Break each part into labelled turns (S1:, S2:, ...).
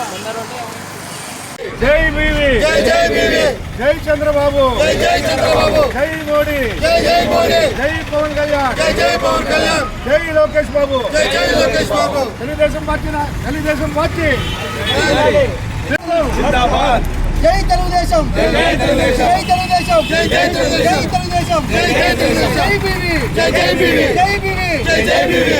S1: జై బీవీ, జై చంద్రబాబు, జై మోడీ, జై పవన్ కళ్యాణ్, జై లోకేష్ బాబు, తెలుగుదేశం పార్టీ జిందాబాద్.
S2: జై తెలుగుదేశం, జై తెలుగుదేశం, జై తెలుగుదేశం, జై తెలుగుదేశం, జై తెలుగుదేశం, జై బీవీ, జై బీవీ, జై బీవీ, జై బీవీ.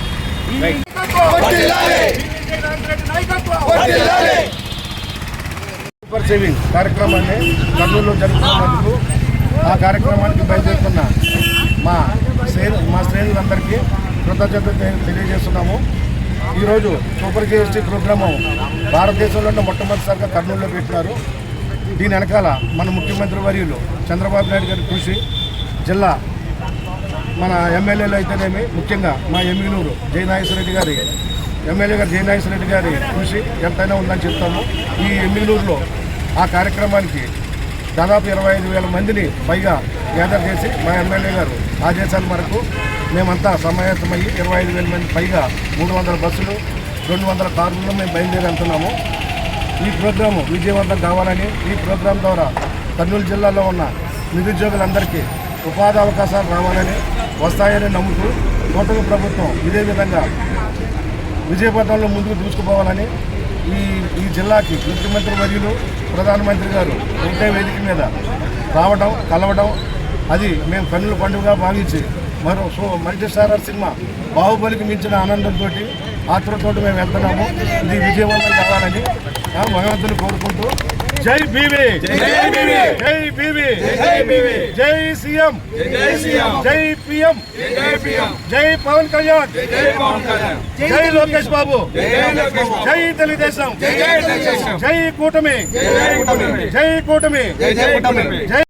S1: సూపర్ సేవింగ్ కార్యక్రమాన్ని కర్నూలులో జరుగుతున్నందుకు ఆ కార్యక్రమానికి బయలుదేరుతున్న మా శ్రేణులందరికీ కృతజ్ఞతలు తెలియజేస్తున్నాము. ఈరోజు సూపర్ కేఎస్టీ ప్రోగ్రాము భారతదేశంలోనే మొట్టమొదటిసారిగా కర్నూలులో పెట్టినారు. దీని వెనకాల మన ముఖ్యమంత్రి వర్యులు చంద్రబాబు నాయుడు గారి కృషి, జిల్లా మన ఎమ్మెల్యేలు అయితేనేమి, ముఖ్యంగా మా ఎమ్మిగనూరు జయనాగేశ్వరరెడ్డి గారి ఎమ్మెల్యే గారు జయనాగేశ్వరరెడ్డి గారి కృషి ఎంతైనా ఉందని చెప్తాము. ఈ ఎమ్మిగనూరులో ఆ కార్యక్రమానికి దాదాపు 25,000 మందిని పైగా గ్యాదర్ చేసి మా ఎమ్మెల్యే గారు ఆదేశాల మేరకు మేమంతా సమాయత్తమయ్యి 25,000 మంది పైగా 300 బస్సులు 200 కార్లలో మేము బయలుదేరి వెళ్తున్నాము. ఈ ప్రోగ్రాము విజయవంతం కావాలని, ఈ ప్రోగ్రాం ద్వారా కర్నూలు జిల్లాలో ఉన్న నిరుద్యోగులందరికీ ఉపాధి అవకాశాలు రావాలని, వస్తాయని నమ్ముతూ కూటమి ప్రభుత్వం ఇదే విధంగా విజయపథంలో ముందుకు దూసుకుపోవాలని ఈ జిల్లాకి ముఖ్యమంత్రి వర్యులు ప్రధానమంత్రి గారు ఒకటే వేదిక మీద రావడం, కలవడం, అది మేము కన్నుల పండుగగా భావించి మల్టీస్టారర్ సినిమా బాహుబలికి మించిన ఆనందంతో ఆతృతతో మేము వెళ్తున్నాము. ఇది విజయవంతం కావాలని భగవంతుని కోరుకుంటూ జై బీవీ, జై బీవీ, జై సీఎం, జై పిఎం, జై పవన్ కళ్యాణ్, జై లోకేష్ బాబు, జై తెలుగుదేశం, జై కూటమి, జై కూటమి, జై